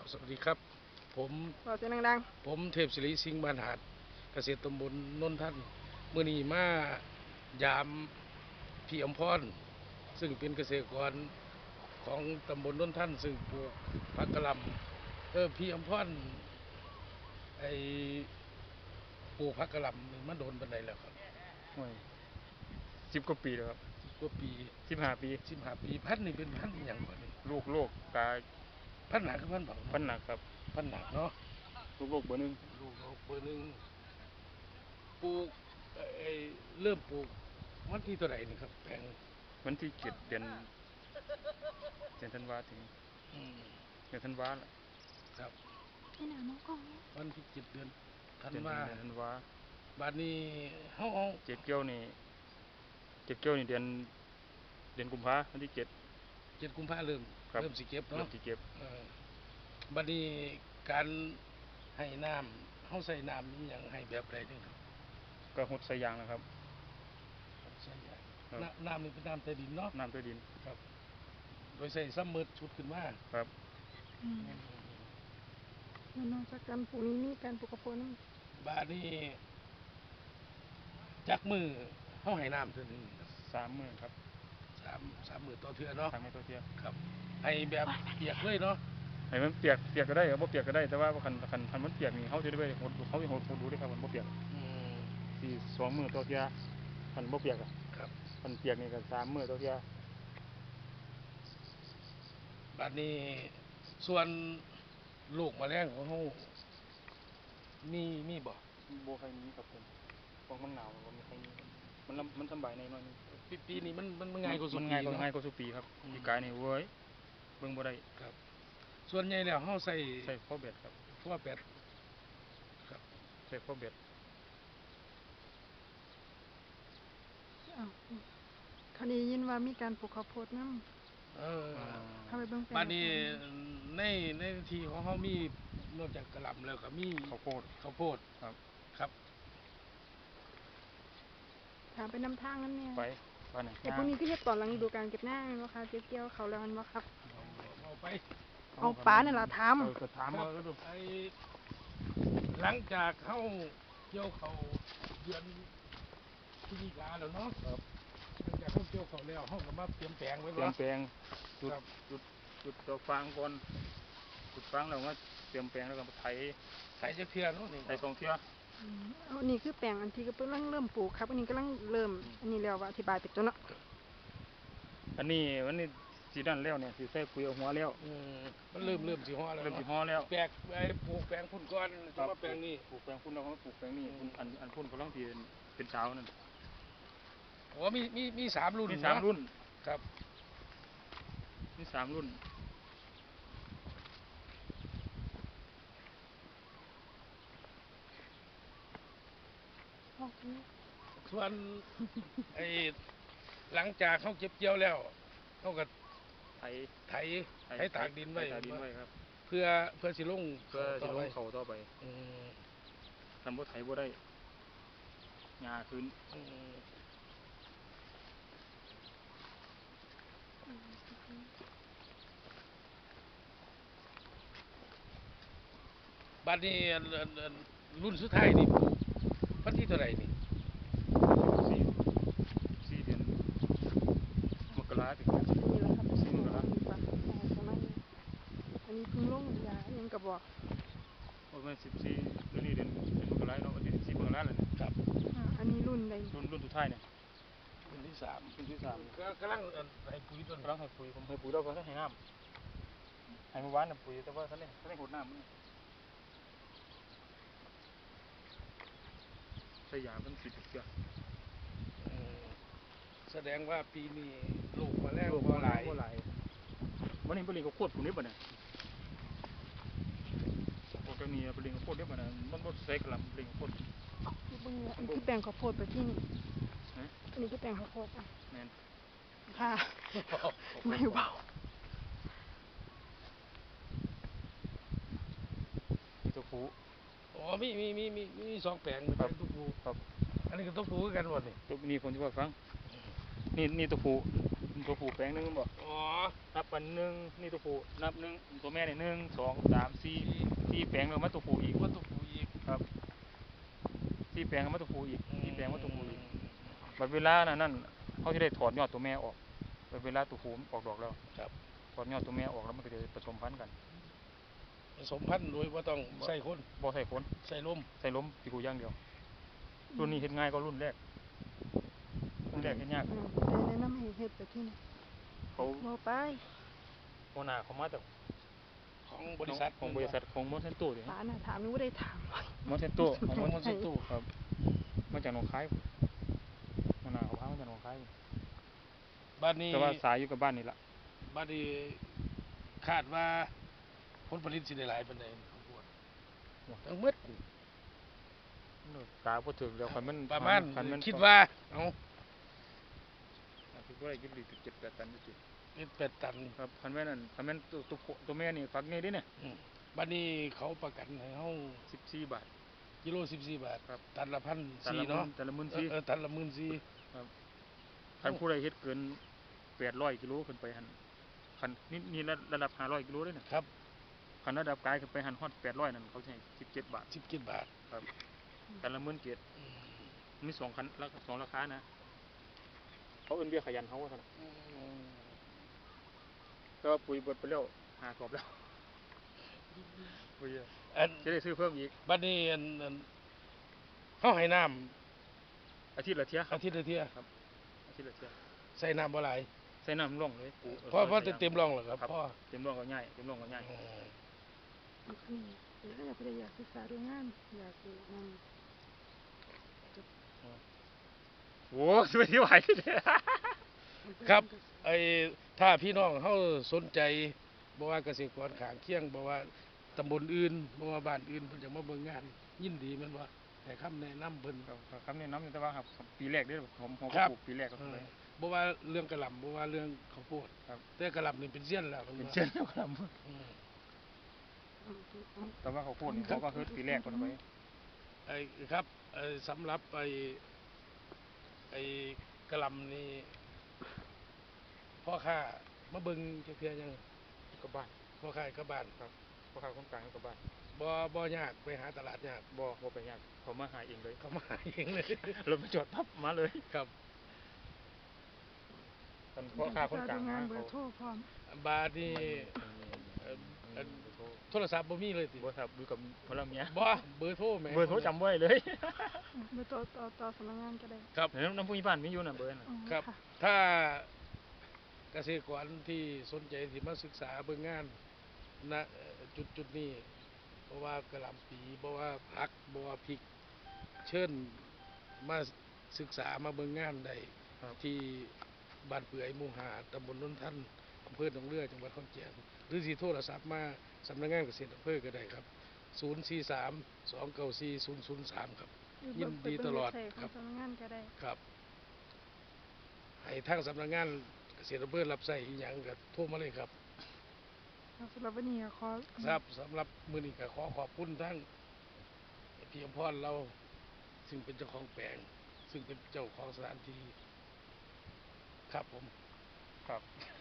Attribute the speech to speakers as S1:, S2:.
S1: สวัสดีครับผม
S2: บอกเสียงดัง
S1: ผมเทพศิริสิงห์บานหาดเกษตรตำบลนนทันมื้อนี้มายามพี่อมพรซึ่งเป็นเกษตรกรของตำบลนนทันซึ่งปลูกผักกะหล่ำพี่อมพรไอปลูกผักกะหล่ำนี่มันโดนปานใดแล้วครับ
S3: โอ้ย10 กว่าปีแล้วครับ
S1: 10 กว่าปี
S3: 15 ปี
S1: 15 ปีพันธุ์นี่เป็นพันธุ์อหยังก่อนนี่
S3: ลูกกา
S1: พันธุ์หนักกับพันธุ์เบา
S3: พั
S1: เนาะ
S3: นหนักครับ
S1: พันธุ์หนักเนาะ
S3: ลูกเบอร์หนึ่ง
S1: ลูกเบอร์หนึ่งปลูกไอ้เริ่มปลูกวันที่เท่าไหร่นี่ครับแปลง
S3: วันที่7 เดือนธันวาถึง
S1: อืม
S3: เดือนธันวาล่ะ
S1: ครับ
S2: ๆนี่หนามองกล้องเนี่ย
S1: วันที่7 เดือนธัน
S3: เดือน
S1: วา
S3: ธันวา
S1: บัดนี้เฮา
S3: เก็บเกี่ยวนี่เดือนกุมภาวันที่
S1: 7 กุมภาเริ่ม
S3: ครับ
S1: เริ่มสิเก็บ
S3: เริ่
S1: เนาะ
S3: มสิเก็บ
S1: บัดนี้การให้น้ำเฮาใส่น้ำอีหยังให้แบบใดนี่ครับ
S3: ก็หดใส่ยางนะครับ
S1: ใส่ยาง
S3: ครับ
S1: น้ำนี่เป็นน้ำใต้ดินเนาะ
S3: น้ำใต้ดิน
S1: ครับโดยใส่ซ้ำมืดชุดขึ้นมา
S3: ครับ
S2: แล้วนอกจากการปลูกนี้มีการปลูกข้าวโพดนั่น
S1: บัดนี้จักมือเฮาให้น้ำเท่านึงครับ
S3: 3 มื้อครับ
S1: สามมื้อต่อเทื่อเนาะ
S3: 3 มื้อต่อเที่ย
S1: ครับให้แบบเปียกเลยเนาะ
S3: ให้มันเปียกก็ได้ครับบ่เปียกก็ได้แต่ว่าคันมันเปียกนี่เฮาสิได้ไปหดดูได้ครับมันบ่เปียก
S1: อืม
S3: ที่2 มื้อต่อเที่ยคันบ่เปียกอ่ะ
S1: ครับ
S3: คันเปียกนี่ก็3 มื้อต่อเที่ย
S1: บัดนี้ส่วนลูกแมลงของเฮามีบ่
S3: บ่ใครมีครับผมเพราะมันหนาวบ่มีใครมีมันสบายในน้อยนึง
S1: ปีนี้มันง่ายกว่าสุดปี
S3: ง่ายกว่าทุกปีครับปีกายนี่เว้ยเบิ่งบ่ได้
S1: ครับส่วนใหญ่แล้วเฮาใส่
S3: ข้อเบ็ดครับ
S1: ทั่วแปดครับ
S3: ใส่ข้อเบ็ด
S2: อ้าวคราวนี้ยินว่ามีการปลูกข้าวโพดนั่นเข้าไปเบิ่งแปลง
S1: บัดนี้ในที่ของเฮามีนอกจากกะหล่ำแล้วก็มี
S3: ข้าวโพด
S1: ครับครับ
S2: ถามไปนำทางนั้นเนี่ย
S3: ไปไหน
S2: แต่พวกนี้ก็เฮ็ดตอนหลังฤดูกาลเก็บหน้าแม่นบ่คะเก็บเกี่ยวเขาแล้วแม่นบ่ครับ
S1: เอาไป
S2: เอาปลาเนี่ยล่ะถาม
S3: ก็ถามว่า
S1: ไอ้หลังจากเฮาเกี่ยวเขาเดือนพฤศจิกาแล้วเนาะ
S3: ครับ
S1: หลังจากเฮาเกี่ยวเขาแล้วเฮาก็มาเตรียมแปลงไว้บ่
S3: เตรียมแปลงจุดดอกฟางก่อนจุดฟางแล้วมาเตรียมแปลงแล้วก็ไถ
S1: จักเทื่อเนาะนี่
S3: ไถ2 เที่ย
S2: อันนี้คือแปลงอันที่กำลังเริ่มปลูกครับอันนี้กำลังเริ่มอันนี้แล้วว่าอธิบายไปตัวเนาะ
S3: อันนี้สินั่นแล้วเนี่ยสิใส่ปุ๋ยเอาหัวแล้ว
S1: มันเริ่มสิฮ้อแล้ว
S3: เริ่มสิฮ้อแล้ว
S1: แปลงไอ้ปลูกแปลงพุ่นก่อนจะมาแปลงนี้
S3: ปลูกแปลงพุ่นแล้วก็ปลูกแปลงนี้อันพุ่นกำลังสิเป็นสาวนั่น
S1: อ๋อมี3รุ่น
S3: มี3 รุ่น
S1: ครับ
S3: มี3 รุ่น
S1: ส่วนไอ้หลังจากเขาเก็บเกี่ยวแล้วเขาก็
S3: ไถ
S1: ตากดินไว้
S3: ครับ
S1: เพื่อสิลง
S3: เขาต่อไปทำบ่ไถบ่ได้หญ้าขึ้น
S1: บัดนี้รุ่นสุดท้ายนี่วันที่เท่าไหร่นี่
S3: 4 เดือนมกราคมถึง
S2: นี่แหละครับ
S3: 4 มกราคม
S2: ประมาณนี้อันนี้เพิ่งลงยายังก็บอก
S3: ประมาณ14นี่เดือนมกราคมเนาะวันที่14 มกราคมแล้ว
S1: ครับ
S2: อันนี้รุ่นใด
S3: รุ่นสุดท้ายเนี่ย
S1: รุ่นที่3ก็กำลังให้ปุ๋ยต้น
S3: กำลังให้ปุ๋ยผมให้ปุ๋ยแล้วก็ให้น้ำให้เมื่อวานน่ะปุ๋ยแต่ว่าท่านได้หดน้ำมันใช้ยามัน10 เทื่อ
S1: แสดงว่าปีนี้ลูกมาแล้วบ่หลาย
S3: วันนี้ปลิงก็โคตรผมนี่บ่เนี่ยโคตรมีปลิงก็โคตรเด้บ่เนี่ยมันบ่ใส่กะหล่ำปลิงโคตร
S2: อันนี้คือแปลงข้าวโพดไปที่นี่อันนี้คือแปลงข้าวโพด
S3: แม่น
S2: ค่ะไม่เบา
S3: มีตัวผู้
S1: อ๋อมี2 แปลงเป็นตัวผู้
S3: ครับ
S1: อันนี้ก็ตัวผู้กันหมดนี่
S3: ตัวนี้ผมสิว่าฟังนี่ตัวผู้แปลงนึงบ่
S1: อ๋อ
S3: นับอันหนึ่งนี่ตัวผู้นับหนึ่งตัวแม่เนี่ย1 2 3 4แปลงแล้วมาตัวผู้อีก
S1: ว่าตัวผู้อีก
S3: ครับ4แปลงแล้วมาตัวผู้อีก4แปลงมาตัวผู้อีกบัดเวลานั่นเขาจะได้ถอดยอดตัวแม่ออกบัดเวลาตัวผู้ออกดอกแล้ว
S1: ครับ
S3: ถอดยอดตัวแม่ออกแล้วมันก็จะผสมพันธุ์กัน
S1: ผสมพันธุ์โดยว่าต้องใส่คน
S3: บ่ใส่ฝน
S1: ใส่ลม
S3: ใส่ลมตีกูอย่างเดียวรุ่นนี้เฮ็ดง่ายก็รุ่นแรกเฮ็ดยาก
S2: ได้แนะนำให้เฮ็ดแบบที่นี่
S3: เขา
S2: บ่ไป
S3: หัวหน้าเขามาจาก
S1: ของบริษัท
S3: ของบริษัทของมอนเซนโต้ดิ
S2: ป้าน่ะถามหนูบ่ได้ถาม
S3: มอนเซนโต้ของ
S1: ของ
S3: ม
S1: ม
S3: อ
S1: อน นเซนตู
S3: ครับมาจากหนองคายหัวหน้าเขาพามาจากหนองคาย
S1: บ้านนี้
S3: แต่ว่าสายอยู่กับบ้านนี่ล่ะ
S1: บ้านนี้คาดว่าผลผลิตสิได้หลายปานใดข้าวโพดทั้งหมด
S3: กาบ่ถึงแล้วคันมัน
S1: ประมาณ
S3: คันมัน
S1: คิดว่าเอา
S3: คิดว่าได้กินดี7 8ตันอยู่
S1: เป็น8 ตัน
S3: ครับคันแม่นั่นคันแม่นตัวแม่นี่ฝักนี่ดิเนี่ย
S1: บ้านนี้เขาประกันให้เฮา
S3: 14 บาท
S1: กิโล14 บาท
S3: ครับ
S1: ตันละ
S3: ตัน
S1: 1,400
S3: ละ
S1: เนาะ
S3: ตันละ
S1: ตันละ14,000
S3: คันผู้ใดเฮ็ดเกิน800กิโลขึ้นไปหั่นคันนี่ระดับ500กิโลเด้น่ะ
S1: ครับ
S3: คันระดับกายขึ้นไปหันฮอด800นั่นเขาจะให้17 บาท
S1: 17 บาท
S3: แต่ละ17,000
S1: อืม
S3: มี2คัน2ราคานะเขาเอิ้นเบี้ยขยันเขาว่าซั่นน่ะแต่ว่าปุ๋ยเบิดไปแล้ว5 กอบแล้วปุ๋ยอะ
S1: อัน
S3: จะได้ซื้อเพิ่มอีก
S1: บัดนี้อันเฮาให้น้ำ
S3: อาทิตย์ละเที่ยครั
S1: อา
S3: บ
S1: ทิตย์ละเที่ย
S3: อาทิตย์ละเที่ย
S1: ใส่น้ำบ่หลาย
S3: ใส่น้ำร่องเลยปุ๋ย
S1: เพราะเต็มร่องแล้วครับพ่อ
S3: เต็มร่องก็ง่ายเต็มร่องก็ง่าย
S1: อืม
S2: นี่แล้วอยากไปอยากศึกษาดูงานอยากดูนั่น
S3: โอ้สิไปที่ไหวเด้อ
S1: ครับไอ้ถ้าพี่น้องเฮาสนใจบ่ว่าเกษตรกรข้างเคียงบ่ว่าตำบลอื่นบ่ว่าบ้านอื่นเพิ่นจะมาเบิ่งงาน ยินดีแม่นบ่ให้คำแนะนำเพิ่น
S3: คำแนะนำแต่ว่าครับปีแรกเด้อผม
S1: ครับ
S3: ปลูกปีแรกก็
S1: เอ
S3: ไป
S1: อบ่ว่าเรื่องกะหล่ำบ่ว่าเรื่องข้าวโพด
S3: ครับ
S1: แต่กะหล่ำนี่เป็นเสี้ยนแล้ว
S3: เป็นเช่นแล้วครับ
S1: อืม
S3: แต่ว่าเขาพูดนี่เขาก็คือปีแรกคนไป
S1: ไอ้ครับไอ้สำหรับไอ้กะหล่ำนี่พ่อค้ามาเบิ่งจักเทื่อยัง
S3: กับบ้าน
S1: พ่อค้ากับบ้าน
S3: พ่อค้าคนกลางกับบ้าน
S1: บ่ยากไปหาตลาดยาก
S3: บ่ไปยากเขามาหาเองเลย
S1: เขามาหาเองเลย
S3: รถมาจอดปั๊บมาเลย
S1: ครับ
S3: กันพ่อค้าคนกลาง
S2: งาน
S3: มา
S2: เบอ
S3: เขา
S2: ร์โทรพร้อม
S1: บาดนี่โทรศัพท์บ่มีเลยติ
S3: บ่ครับดูกับพลเมีย
S1: บ่เบอร์โทรแหม่
S3: เบอร์โทรจำไว้เลย
S2: เบอร์ต่อสำนักงานก็ได้
S1: ครับ
S3: น้ำผู้ใหญ่บ้านมีอยู่น่ะเบอร์น่ะ
S1: ครับ
S2: ค่ะ
S1: ถ้าเกษตรกรที่สนใจที่มาศึกษาเบิ่งงานณจุดนี้เพราะว่ากะหล่ำปีเพราะว่าผักเพราะว่าพริกเชิญมาศึกษามาเบิ่งงานได้ที่บ้านเปื่อยหมู่5ตำบลนนทันอำเภอหนองเรือจังหวัดขอนแก่นหรือสิโทรศัพท์มาสำนักงานเกษตรอำเภอก็ได้ครับ 043-294-003 ครับ ยินดีตลอด
S2: ค
S1: ครั
S2: รับ บสำนักงานก็ได้
S1: ครับให้ทางสำนักงานเกษตรอำเภอรับใช้อีหยังก็โทรมาเลยครับ
S2: สำหรับวันนี้ก็ขอ
S1: ครับสำหรับมื้อนี้ก็ขอขอบคุณทั้งพี่อมพรเราซึ่งเป็นเจ้าของแปลง ซึ่งเป็นเจ้าของสถานที่ครับผม
S3: ครับ